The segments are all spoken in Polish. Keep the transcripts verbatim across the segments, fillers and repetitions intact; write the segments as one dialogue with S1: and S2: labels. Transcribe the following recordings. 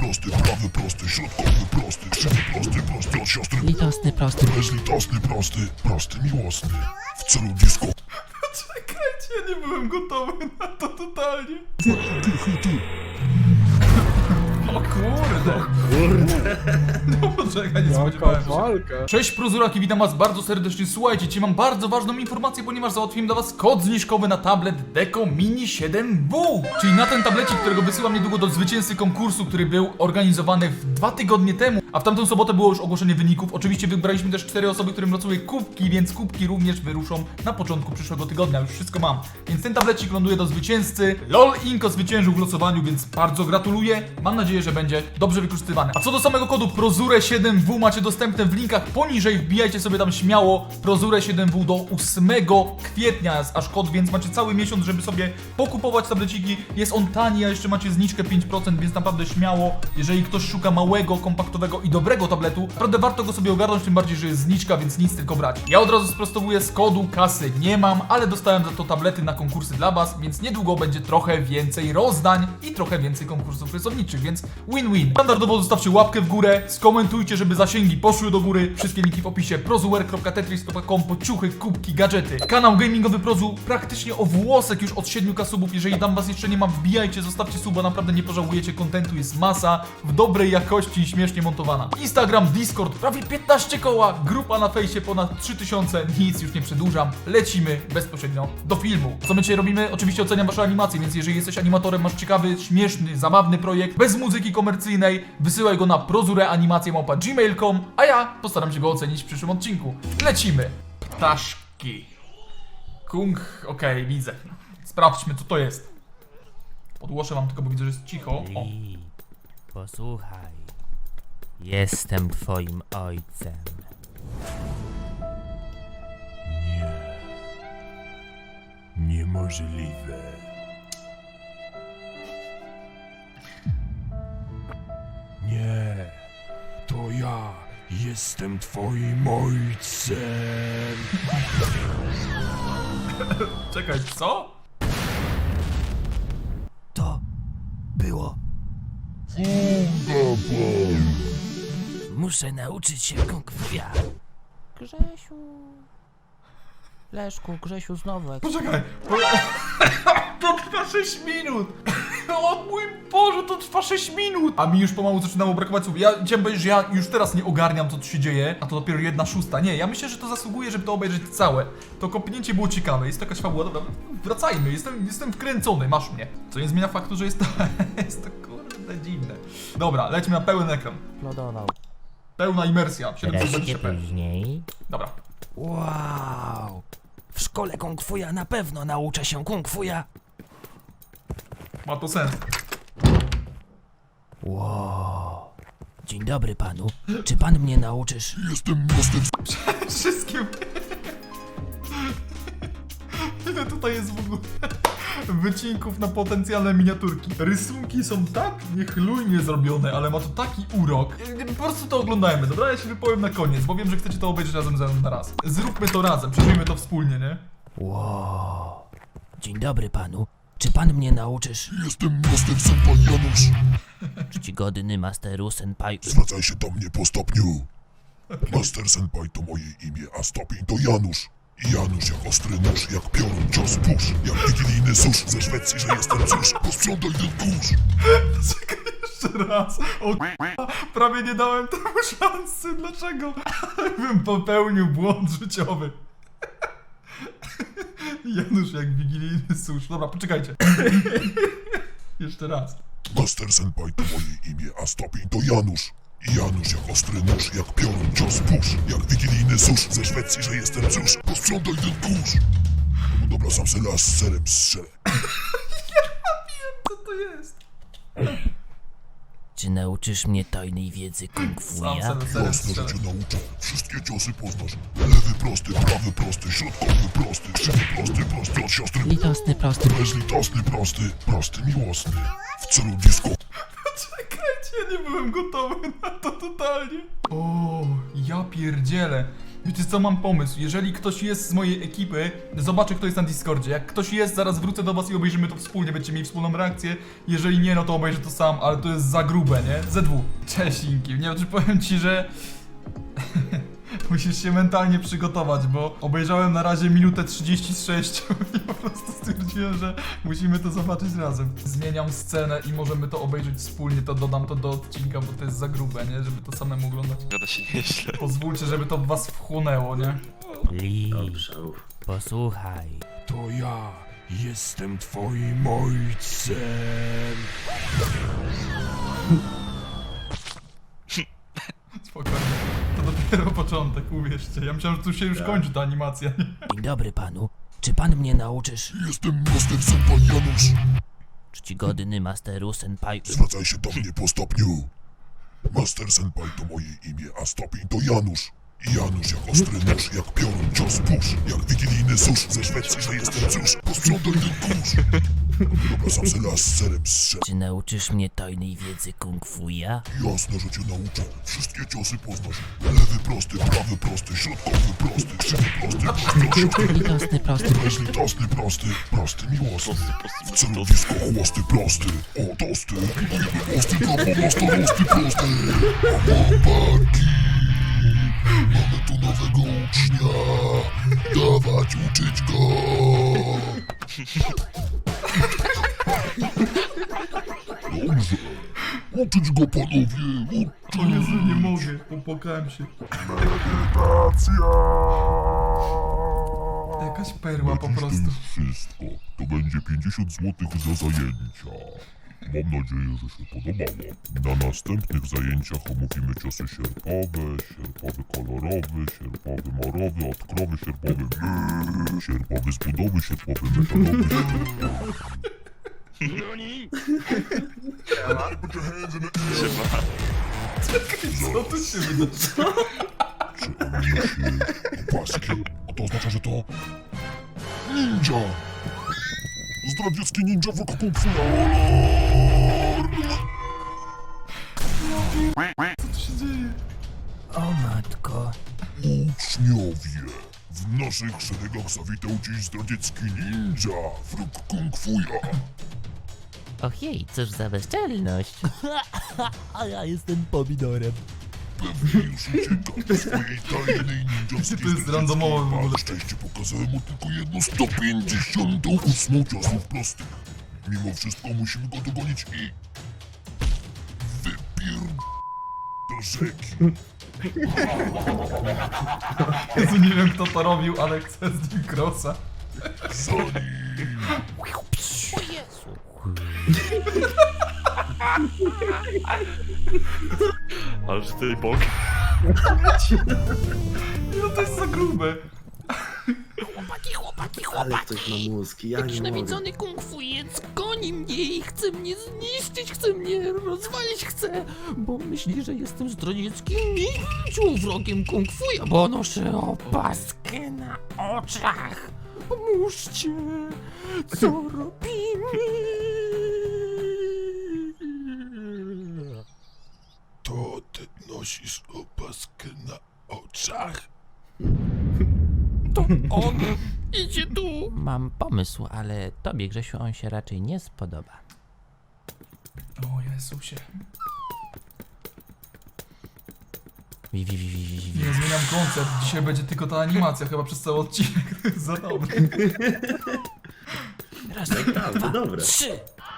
S1: prosty, prawy prosty, środkowy prosty, krzywy prosty, prosty od siostry.
S2: Litosny, prosty.
S1: Bezlitosny prosty, prosty miłosny. W celu disco.
S3: Czekajcie, ja nie byłem gotowy na to totalnie.
S1: Ty, ty.
S3: O kurde. Kurde. No poczekaj, nie spodziewałem się.
S4: walka.
S3: Cześć Prozuraki, witam was bardzo serdecznie. Słuchajcie, dzisiaj mam bardzo ważną informację, ponieważ załatwiłem dla was kod zniżkowy na tablet Deco Mini siedem W. Czyli na ten tablecik, którego wysyłam niedługo do zwycięzcy konkursu, który był organizowany w dwa tygodnie temu. A w tamtą sobotę było już ogłoszenie wyników. Oczywiście wybraliśmy też cztery osoby, którym losuje kubki, więc kubki również wyruszą na początku przyszłego tygodnia. Już wszystko mam. Więc ten tablecik ląduje do zwycięzcy. LOL Inko zwyciężył w losowaniu, więc bardzo gratuluję. Mam nadzieję, że będzie dobrze wykorzystywany. A co do samego kodu Prozure siedem W macie dostępne w linkach poniżej. Wbijajcie sobie tam śmiało Prozure siedem W do ósmego kwietnia jest aż kod, więc macie cały miesiąc, żeby sobie pokupować tableciki. Jest on tani, a jeszcze macie zniżkę pięć procent, więc naprawdę śmiało. Jeżeli ktoś szuka małego, kompaktowego i dobrego tabletu, naprawdę warto go sobie ogarnąć, tym bardziej, że jest zniżka, więc nic tylko brać. Ja od razu sprostowuję, z kodu kasy nie mam, ale dostałem za to tablety na konkursy dla was, więc niedługo będzie trochę więcej rozdań i trochę więcej konkursów rysowniczych, więc win-win. Standardowo zostawcie łapkę w górę, skomentujcie, żeby zasięgi poszły do góry. Wszystkie linki w opisie. prozuwer kropka tetris kropka com po ciuchy, kubki, gadżety. Kanał gamingowy Prozu praktycznie o włosek już od siedmiu ka subów. Jeżeli tam was jeszcze nie ma, wbijajcie, zostawcie suba, naprawdę nie pożałujecie. Kontentu jest masa, w dobrej jakości i śmiesznie montowana. Instagram, Discord, prawie piętnaście koła, grupa na fejsie ponad trzy tysiące. Nic już nie przedłużam, lecimy bezpośrednio do filmu. Co my dzisiaj robimy? Oczywiście oceniam wasze animacje, więc jeżeli jesteś animatorem, masz ciekawy, śmieszny, zabawny projekt, bez muzyki komercyjnej, wysyłaj go na prozureanimacje małpa gmail kropka com, a ja postaram się go ocenić w przyszłym odcinku. Lecimy! Ptaszki. Kung, okej, okay, widzę. Sprawdźmy, co to jest. Podgłoszę wam tylko, bo widzę, że jest cicho. O.
S2: Li, posłuchaj. Jestem twoim ojcem.
S1: Niemożliwe. Nie, to ja jestem twoim ojcem.
S3: Czekaj, co?
S2: To było. Muszę nauczyć się kung fuja. Grzesiu. Leszku, Grzesiu, znowu. Jak...
S3: Poczekaj. Po... To trwa sześć minut. O mój Boże, to trwa sześć minut. A mi już pomału zaczynało brakować słów. Ja chciałem powiedzieć, że ja już teraz nie ogarniam, co tu się dzieje, a to dopiero jedna szósta. Nie, ja myślę, że to zasługuje, żeby to obejrzeć całe. To kopnięcie było ciekawe, jest to jakaś fabuła. Dobra, wracajmy, jestem, jestem wkręcony, masz mnie. Co nie zmienia faktu, że jest to, jest to kurde dziwne. Dobra, lećmy na pełen ekran.
S2: Plodował.
S3: Pełna imersja, siedemset dwadzieścia p.
S2: później.
S3: Dobra.
S2: Wow. W szkole kung fuja na pewno nauczę się kung fuja.
S3: Ma to sens.
S2: Wow. Dzień dobry panu. Czy pan mnie nauczysz?
S1: Jestem miastem.
S3: Wszystkim. Ile tutaj jest w ogóle wycinków na potencjalne miniaturki. Rysunki są tak niechlujnie zrobione, ale ma to taki urok. Po prostu to oglądajmy, dobra? Ja się wypowiem na koniec, bo wiem, że chcecie to obejrzeć razem ze mną na raz. Zróbmy to razem, przeżyjmy to wspólnie, nie?
S2: Wow. Dzień dobry panu. Czy pan mnie nauczysz?
S1: Jestem Master Senpai Janusz.
S2: Czcigodny Masteru Senpai.
S1: Zwracaj się do mnie po stopniu. Master Senpai to moje imię, a stopień to Janusz. I Janusz jak ostry nóż, jak piorun, cios, pusz. Jak wigilijny susz ze Szwecji, że jestem cóż. Posprzątaj ten kurz.
S3: Czekaj jeszcze raz. O k***a, prawie nie dałem temu szansy. Dlaczego? Bym popełnił błąd życiowy. Janusz jak wigilijny susz. Dobra, poczekajcie. Jeszcze raz.
S1: Master Senpai to moje imię, a stopień to Janusz. I Janusz jak ostry nóż, jak piorun, cios, pusz. Jak wigilijny susz ze Szwecji, że jestem cóż. Posprzątaj ten kurz. No dobra, sam se las z serem strzelę.
S3: Co to jest?
S2: Czy nauczysz mnie tajnej wiedzy kung fuja?
S3: Sam sobie serem
S1: Jasne, że
S3: strzelę.
S1: cię nauczę. Wszystkie ciosy poznasz. Lewy prosty, prawy prosty, środkowy prosty, krzywy prosty, prosty od siostry.
S2: Litosny, prosty.
S1: Bezlitosny prosty, prosty miłosny. W celu disco.
S3: Czekajcie, ja nie byłem gotowy na to totalnie. O, ja pierdzielę. Wiecie co, mam pomysł. Jeżeli ktoś jest z mojej ekipy, zobaczę kto jest na Discordzie. Jak ktoś jest, zaraz wrócę do was i obejrzymy to wspólnie, będziecie mieli wspólną reakcję. Jeżeli nie, no to obejrzę to sam, ale to jest za grube, nie? Z dwa. Cześć Inki, nie wiem czy powiem ci, że... Musisz się mentalnie przygotować, bo obejrzałem na razie minutę trzydzieści sześć i po prostu stwierdziłem, że musimy to zobaczyć razem. Zmieniam scenę i możemy to obejrzeć wspólnie, to dodam to do odcinka, bo to jest za grube, nie? Żeby to samemu oglądać.
S4: Gada się nieźle.
S3: Pozwólcie, żeby to w was wchłonęło, nie?
S2: Lee,
S5: Dobrze.
S2: posłuchaj.
S1: To ja jestem twoim ojcem.
S3: Spokojnie. To dopiero początek, uwierzcie. Ja myślałem, że tu się już kończy ta animacja.
S2: Dzień dobry panu. Czy pan mnie nauczysz
S1: Jestem Master Senpai Janusz.
S2: czcigodny masteru senpai?
S1: Zwracaj się do mnie po stopniu. Master Senpai to moje imię, a stopień to Janusz. Janusz jak ostry nóż, jak piorun cios pusz, jak wigilijny susz ze Szwecji, że jestem cóż. Posprzątaj ten kurz. Dobra, sam se las z serem zszedł.
S2: Czy nauczysz mnie tajnej wiedzy kung fuja?
S1: Jasne, że cię nauczę. Wszystkie ciosy poznasz. Lewy prosty, prawy prosty, środkowy prosty, krzywy prosty, prosty,
S2: Litosny, prosty,
S1: bezlitosny prosty, prosty miłosny.
S4: Prosty, prosty,
S1: W
S4: prosty.
S1: celowisko chłosty prosty. O, tosty. Budujemy mosty dla pomasta rosty prosty. Chłopaki. Mamy tu nowego ucznia. Dawać uczyć go. Dobrze. Uczyć go panowie. Uczyć.
S3: O Jezu, nie mogę. Popłakałem się. Jakaś perła po
S1: Na dziś
S3: prostu.
S1: To już wszystko. To będzie pięćdziesiąt złotych za zajęcia. Mam nadzieję, że się podobało. Na następnych zajęciach omówimy ciosy sierpowe, sierpowy kolorowy, sierpowy morowy, odkrowy sierpowy, brrr, sierpowy z budowy, sierpowy metalowy.
S4: Siema.
S3: Co tu się wydarzyło?
S1: Czy on niesie opaski? A to oznacza, że to... Ninja! Zdradziecki ninja w kung fu.
S3: Co tu się dzieje?
S2: O matko.
S1: Uczniowie, w naszych szeregach zawitał dziś zdradziecki ninja, wróg kung fuja.
S2: Ojej, cóż za bezczelność. A ja jestem pomidorem.
S1: Pewnie już ucieka do swojej tajnej ninjowskiej
S3: To jest randomowe w ogóle.
S1: Na szczęście pokazałem mu tylko jedną sto pięćdziesiątą ósmą ciosów prostych. Mimo wszystko musimy go dogonić i... Wypier... do rzeki.
S3: Jezu, nie wiem kto to robił, ale chcę z nim crossa.
S1: Za nim...
S2: O Jezu.
S4: Ale że ty bok.
S3: No to jest za grube.
S2: Chłopaki, chłopaki,
S5: Ale
S2: chłopaki.
S5: ktoś ma mózg, ja nie mogę.
S2: Nienawidzony kung fujec goni mnie i chce mnie zniszczyć, chce mnie rozwalić, chce, bo myśli, że jestem zdradzieckim ninją, wrogiem kung fuja, bo noszę opaskę na oczach. Pomóżcie, co robimy?
S1: To ty nosisz opaskę na oczach?
S2: To on idzie tu. Mam pomysł, ale tobie, Grzesiu, on się raczej nie spodoba.
S3: O Jezusie.
S2: Wi, wi, wi, wi, wi, wi.
S3: Nie zmieniam koncept. Dzisiaj będzie tylko ta animacja chyba przez cały odcinek. To jest za dobre.
S2: Raz,
S5: Naprawdę,
S2: dwa,
S5: dobre.
S2: trzy.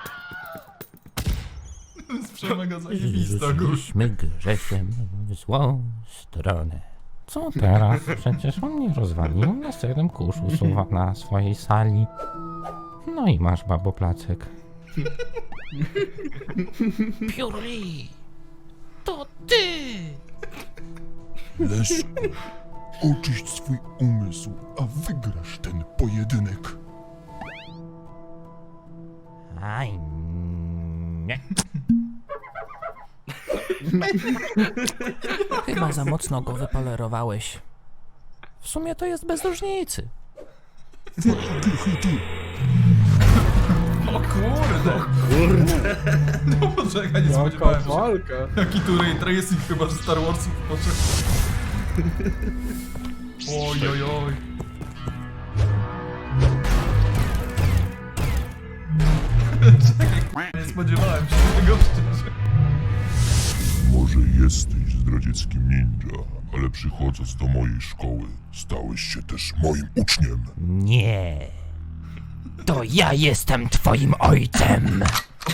S3: To jest przemega zajebista, gór.
S6: Rzuciliśmy Grzesiem w złą stronę. Co teraz? Przecież on mnie rozwalił na serem kurz usuwa na swojej sali. No i masz, babo, placek.
S2: Piórli, to ty.
S1: Leszku, oczyść swój umysł, a wygrasz ten pojedynek.
S6: Aj, nie.
S2: Chyba za mocno go wypolerowałeś. W sumie to jest bez różnicy.
S3: O kurde.
S5: Kurde.
S3: No poczekaj, nie spodziewałem się. Jaki tu ray tracing chyba, że Star Warsów poszedł. Oj, oj, oj. Czekaj, nie spodziewałem się tego szczerze.
S1: Może jesteś zdradzieckim ninja, ale przychodząc do mojej szkoły, stałeś się też moim uczniem.
S6: Nie. To ja jestem twoim ojcem.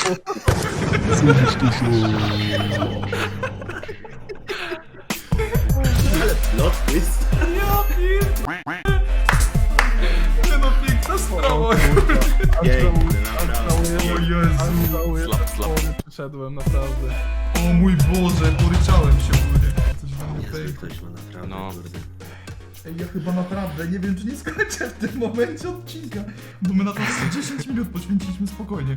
S5: Plot twist.
S3: Ja pier... Nie no, piękna sprawa.
S5: Piękny, naprawdę.
S3: O Jezu.
S4: Slap, slap.
S7: Przyszedłem, naprawdę.
S3: O mój Boże, poryczałem się ogólnie. Coś dla mnie
S5: Niezły
S3: piękne.
S5: ktoś ma naprawdę,
S4: No.
S5: kurde.
S3: Ej, ja chyba naprawdę nie wiem, czy nie skończę w tym momencie odcinka, bo my na to dziesięć minut poświęciliśmy spokojnie.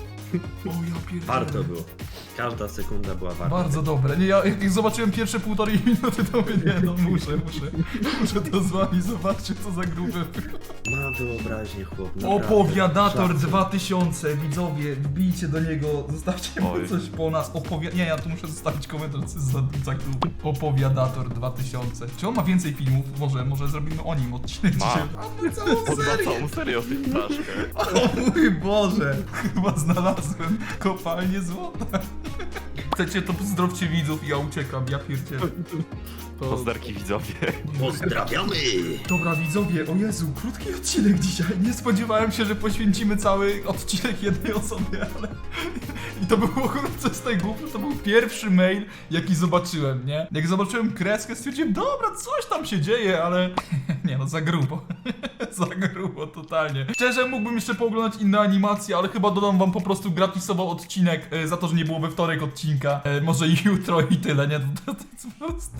S3: O ja pierdolę.
S5: Warto było. Każda sekunda była warta.
S3: Bardzo dobre. Nie, ja jak zobaczyłem pierwsze półtorej minuty, to mówię, nie no, muszę, muszę. Muszę to z wami, zobaczcie co za grube.
S5: Ma wyobraźnię, chłop. naprawdę.
S3: Opowiadator
S5: Szacun.
S3: dwa tysiące, widzowie, wbijcie do niego, zostawcie mu
S4: Oj.
S3: coś po nas. Opowia... Nie, ja tu muszę zostawić komentarz, co jest za za klub. Opowiadator dwa tysiące. Czy on ma więcej filmów? Może, może zrobimy o nim odcinek
S4: Ma.
S3: dzisiaj. A my całą
S4: On ma
S3: serię.
S4: całą serię o tej ptaszkę.
S3: O mój Boże, chyba znalazłem kopalnię złota. Chcecie, to pozdrowcie widzów i ja uciekam, ja pierdzielę.
S7: To
S4: Pozdarki widzowie.
S5: Pozdrawiamy!
S3: Dobra widzowie, o Jezu, krótki odcinek dzisiaj. Nie spodziewałem się, że poświęcimy cały odcinek jednej osobie, ale... I to było coś z tej głupy, to był pierwszy mail, jaki zobaczyłem, nie? Jak zobaczyłem kreskę, stwierdziłem, dobra, coś tam się dzieje, ale... Nie no, za grubo. Za grubo, totalnie. Szczerze, mógłbym jeszcze pooglądać inne animacje, ale chyba dodam wam po prostu gratisowy odcinek e, za to, że nie było we wtorek odcinka. E, może i jutro i tyle, nie? To, to, to jest po prostu...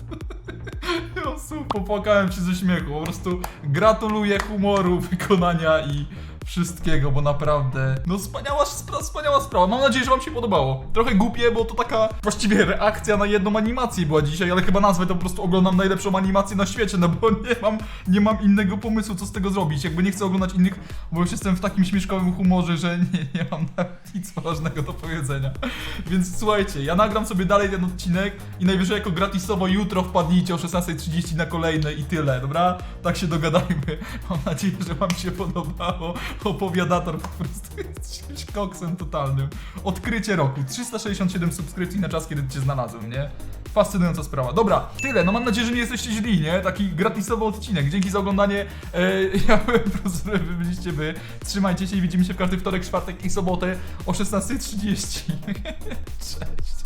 S3: Jezu, popłakałem się ze śmiechu, po prostu gratuluję humoru, wykonania i wszystkiego, bo naprawdę, no wspaniała, spra wspaniała sprawa. Mam nadzieję, że wam się podobało. Trochę głupie, bo to taka właściwie reakcja na jedną animację była dzisiaj, ale chyba nazwę to po prostu oglądam najlepszą animację na świecie, no bo nie mam, nie mam innego pomysłu, co z tego zrobić. Jakby nie chcę oglądać innych, bo już jestem w takim śmieszkowym humorze, że nie, nie mam nawet nic ważnego do powiedzenia. Więc słuchajcie, ja nagram sobie dalej ten odcinek i najwyżej jako gratisowo jutro wpadnijcie o szesnasta trzydzieści na kolejny i tyle, dobra? Tak się dogadajmy. Mam nadzieję, że wam się podobało. Opowiadator po prostu jest czymś koksem totalnym. Odkrycie roku. trzysta sześćdziesiąt siedem subskrypcji na czas, kiedy cię znalazłem, nie? Fascynująca sprawa. Dobra, tyle. No mam nadzieję, że nie jesteście źli, nie? Taki gratisowy odcinek. Dzięki za oglądanie. Eee, ja byłem profesorem, wy byliście wy. Trzymajcie się i widzimy się w każdy wtorek, czwartek i sobotę o szesnasta trzydzieści. Cześć.